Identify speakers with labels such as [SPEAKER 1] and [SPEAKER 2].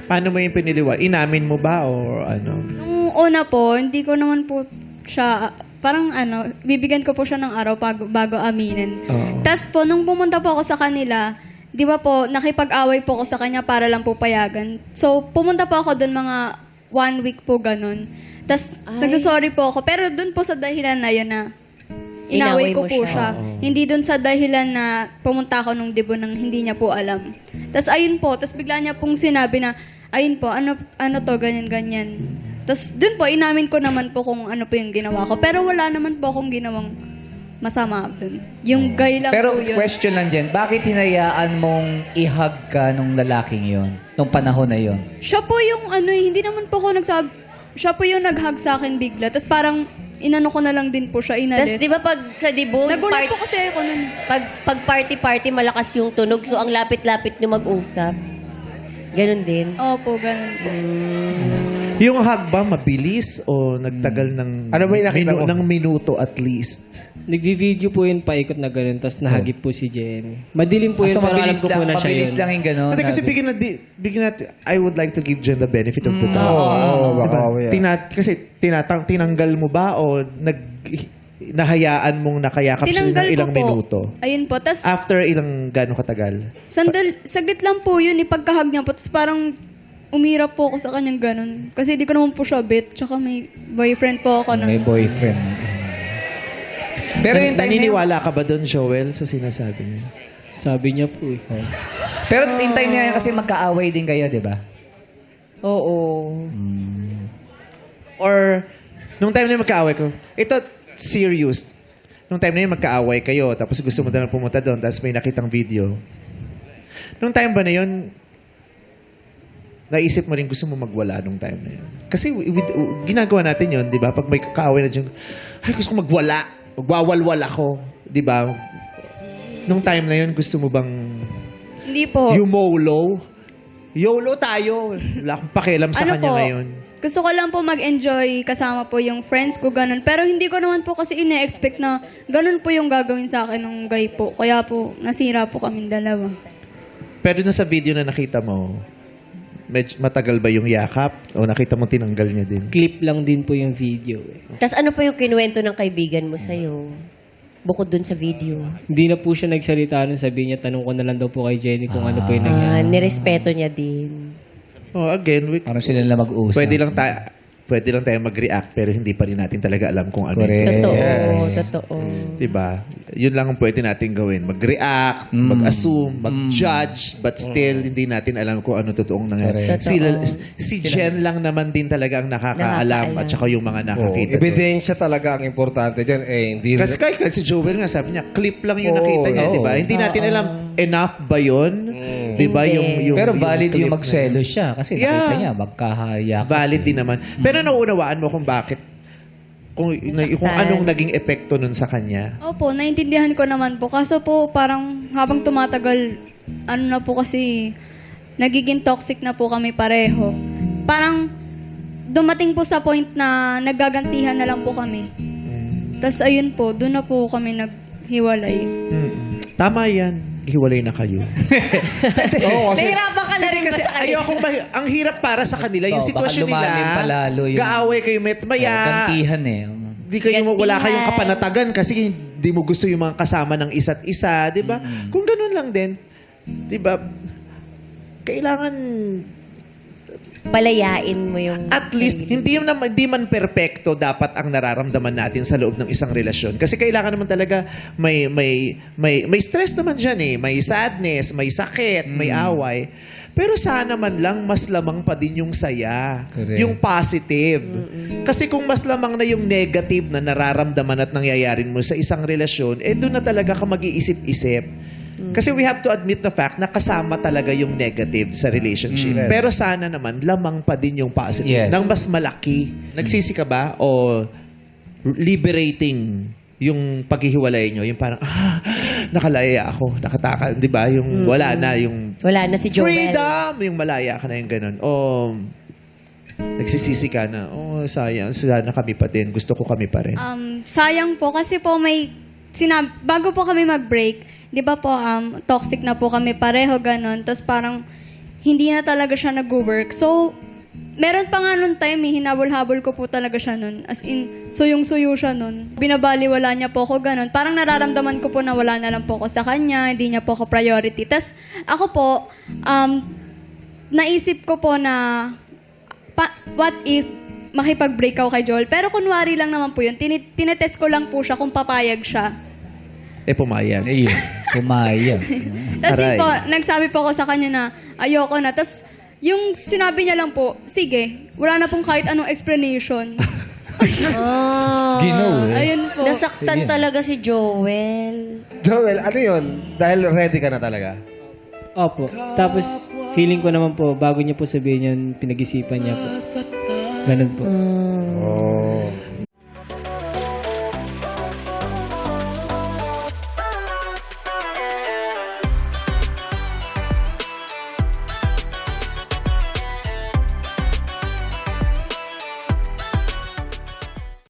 [SPEAKER 1] Paano mo yung piniliwan? Inamin mo ba or ano?
[SPEAKER 2] Nung una po, hindi ko naman po siya, parang bibigyan ko po siya ng araw bago aminin.
[SPEAKER 1] Oo.
[SPEAKER 2] Tapos po, nung pumunta po ako sa kanila, di ba po, nakipag-away po ako sa kanya para lang po payagan. So, pumunta po ako doon mga 1 week po ganun. Tapos, nagsasorry po ako. Pero doon po sa dahilan na yun na inaway ko
[SPEAKER 3] mo
[SPEAKER 2] po
[SPEAKER 3] siya.
[SPEAKER 2] siya. Hindi doon sa dahilan na pumunta ako nung debo nang hindi niya po alam. Tapos, ayun po. Tapos, bigla niya pong sinabi na, ayun po, ano to, ganyan-ganyan. Tapos, doon po, inamin ko naman po kung ano po yung ginawa ko. Pero wala naman po akong ginawang masama doon. Yung gay lang
[SPEAKER 4] Pero
[SPEAKER 2] po yun.
[SPEAKER 4] question lang dyan, bakit hinayaan mong i-hug ka nung lalaking yon nung panahon na yon?
[SPEAKER 2] Siya po yung hindi naman po ako siya po yung nag-hug sa akin bigla. Tapos parang inano ko na lang din po siya, inalis.
[SPEAKER 3] Tapos di ba pag sa debut,
[SPEAKER 2] Nagulat po kasi ako nun.
[SPEAKER 3] pag party-party, malakas yung tunog. So, ang lapit-lapit nyo mag-usap. Ganon din.
[SPEAKER 2] Opo, ganun po.
[SPEAKER 1] Yung hug ba, mabilis o nagtagal ng,
[SPEAKER 5] Ano ba yung nakita mo?
[SPEAKER 1] ng minuto at least?
[SPEAKER 6] Nagvi-video po yun paikot na gano'n, tapos nahagip po si Jenny. Madilim po yun,
[SPEAKER 4] So,
[SPEAKER 6] pero alam
[SPEAKER 4] mabilis
[SPEAKER 6] ko po na siya
[SPEAKER 4] mabilis
[SPEAKER 6] yun.
[SPEAKER 4] lang yung gano'n.
[SPEAKER 1] Hindi kasi bigyan natin, I would like to give Jen the benefit of the doubt.
[SPEAKER 5] Oo, baka
[SPEAKER 1] Diba? Kasi tinanggal mo ba o nahayaan mong nakayakap siya ng
[SPEAKER 2] Tinanggal ko
[SPEAKER 1] ilang
[SPEAKER 2] po.
[SPEAKER 1] minuto?
[SPEAKER 2] Ayun po. Tapos,
[SPEAKER 1] After ilang gano'ng katagal?
[SPEAKER 2] saglit lang po yun, ipagkahag niya po. Tapos parang umirap po ako sa kanyang ganun. Kasi di ko naman po siya bet. Tsaka may boyfriend po ako
[SPEAKER 4] May
[SPEAKER 2] nun.
[SPEAKER 4] boyfriend. Pero yung time na yun,
[SPEAKER 1] Naniniwala ka ba doon, Joel, sa sinasabi niya?
[SPEAKER 6] Sabi niya po eh.
[SPEAKER 4] pero yung time na yun kasi magkaaway din kayo, di ba?
[SPEAKER 3] Oo.
[SPEAKER 1] Or, nung time na yun magkaaway ko, ito, serious. Nung time na yun magkaaway kayo, tapos gusto mo na lang pumunta doon, tapos may nakitang video. Nung time ba na yun, naisip mo rin gusto mo magwala nung time na yun. Kasi ginagawa natin yun, di ba? Pag may kaaway na dyan, ay gusto ko magwala. Magwawalwal ako. Di ba? Nung time na yun, gusto mo bang
[SPEAKER 2] Hindi po.
[SPEAKER 1] YOLO? YOLO tayo. Wala akong pakialam sa kanya ngayon.
[SPEAKER 2] Gusto ko lang po mag-enjoy kasama po yung friends ko, ganun. Pero hindi ko naman po kasi ine-expect na ganun po yung gagawin sa akin ng guy po. Kaya po, nasira po kaming dalawa.
[SPEAKER 1] Pero nung sa video na nakita mo, matagal ba yung yakap? O nakita mo tinanggal niya din?
[SPEAKER 6] Clip lang din po yung video eh.
[SPEAKER 3] Tapos ano pa yung kinuwento ng kaibigan mo sa'yo? Bukod dun sa video.
[SPEAKER 6] Hindi na po siya nagsalita nung sabi niya, tanong ko na lang daw po kay Jenny kung ano po yung nangyari.
[SPEAKER 3] Nirespeto niya din.
[SPEAKER 1] Oh, again,
[SPEAKER 4] Parang sila na mag-uusap.
[SPEAKER 1] pwede lang tayo mag-react pero hindi pa rin natin talaga alam kung ano
[SPEAKER 4] Correct.
[SPEAKER 1] ito.
[SPEAKER 3] Totoo.
[SPEAKER 1] Diba? Yun lang ang pwede natin gawin. Mag-react, mag-assume, mag-judge, but still, hindi natin alam kung ano totoong nangyari.
[SPEAKER 3] Correct.
[SPEAKER 1] Si Jen lang naman din talaga ang nakakaalam at saka yung mga nakakita. doon.
[SPEAKER 5] Ebidensya talaga ang importante dyan. Hindi
[SPEAKER 1] Kasi kahit si Joel nga, sabi niya, clip lang yung nakita niya, di ba? Hindi natin alam, enough ba yun? Di ba?
[SPEAKER 3] Hindi.
[SPEAKER 4] Pero valid
[SPEAKER 1] clip
[SPEAKER 4] yung
[SPEAKER 1] na
[SPEAKER 4] magselos siya kasi
[SPEAKER 1] Yeah.
[SPEAKER 4] nakita niya, magkahayak.
[SPEAKER 1] valid din naman. Pero nauunawaan mo kung bakit, kung anong naging epekto nun sa kanya.
[SPEAKER 2] Opo, naintindihan ko naman po. Kaso po, parang habang tumatagal, ano na po kasi, nagiging toxic na po kami pareho. Parang, dumating po sa point na nagagantihan na lang po kami. Tapos ayun po, doon na po kami naghiwalay.
[SPEAKER 1] Tama yan. Hiwalay na kayo.
[SPEAKER 5] Oo, kasi
[SPEAKER 3] Nahirapan ka na rin ba
[SPEAKER 1] Kasi
[SPEAKER 3] sa kanila?
[SPEAKER 1] ang hirap para sa kanila. Yung
[SPEAKER 4] Oo,
[SPEAKER 1] sitwasyon
[SPEAKER 4] baka lumalim
[SPEAKER 1] nila,
[SPEAKER 4] palalo yung-
[SPEAKER 1] gaaway kayo maya.
[SPEAKER 4] Gantihan eh.
[SPEAKER 1] Di kayo, wala
[SPEAKER 3] Gantihan.
[SPEAKER 1] kayong kapanatagan kasi hindi mo gusto yung mga kasama ng isa't isa, di ba? Kung ganun lang din, di ba, kailangan
[SPEAKER 3] Palayain mo yung...
[SPEAKER 1] at least, hindi man perpekto dapat ang nararamdaman natin sa loob ng isang relasyon. Kasi kailangan naman talaga may stress naman dyan eh. May sadness, may sakit, may away. Pero sana man lang mas lamang pa din yung saya.
[SPEAKER 4] Correct.
[SPEAKER 1] Yung positive. Kasi kung mas lamang na yung negative na nararamdaman at nangyayarin mo sa isang relasyon, doon na talaga ka mag-iisip-isip. Kasi we have to admit the fact na kasama talaga yung negative sa relationship.
[SPEAKER 5] Yes.
[SPEAKER 1] Pero sana naman, lamang pa din yung positive.
[SPEAKER 4] Yes.
[SPEAKER 1] Nang mas malaki. Nagsisi ka ba? O liberating yung paghihiwalay nyo? Yung parang, nakalaya ako. Nakataka. Di ba? Yung wala na. Yung
[SPEAKER 3] Wala na si Joel.
[SPEAKER 1] freedom! Yung malaya ka na yung ganun. O nagsisisi ka na, sayang. Sana kami pa din. Gusto ko kami pa rin.
[SPEAKER 2] Sayang po kasi po bago po kami mag-break, di ba po, toxic na po kami pareho, ganon. Tapos parang, hindi na talaga siya nag-work. So, meron pa nga nun time, hinabol-habol ko po talaga siya nun. As in, suyong-suyo siya nun. Binabaliwala niya po ako ganun. Parang nararamdaman ko po na wala na lang po ako sa kanya, hindi niya po ako priority. Tas ako po, naisip ko po na, what if makipag-break ako kay Joel? Pero kunwari lang naman po yun. Tinetest ko lang po siya kung papayag siya.
[SPEAKER 1] Pumayag.
[SPEAKER 4] Ayun, pumayag.
[SPEAKER 2] Tapos
[SPEAKER 1] Aray.
[SPEAKER 2] yun po, nagsabi po ako sa kanya na ayoko na. Tapos yung sinabi niya lang po, sige, wala na pong kahit anong explanation.
[SPEAKER 4] Ginaw eh.
[SPEAKER 2] Ayun po.
[SPEAKER 3] Nasaktan talaga si Joel.
[SPEAKER 5] Joel, ano yun? Dahil ready ka na talaga?
[SPEAKER 6] Opo. Tapos, feeling ko naman po, bago niya po sabihin yun, pinag-isipan niya po. Ganun po.
[SPEAKER 5] Oh.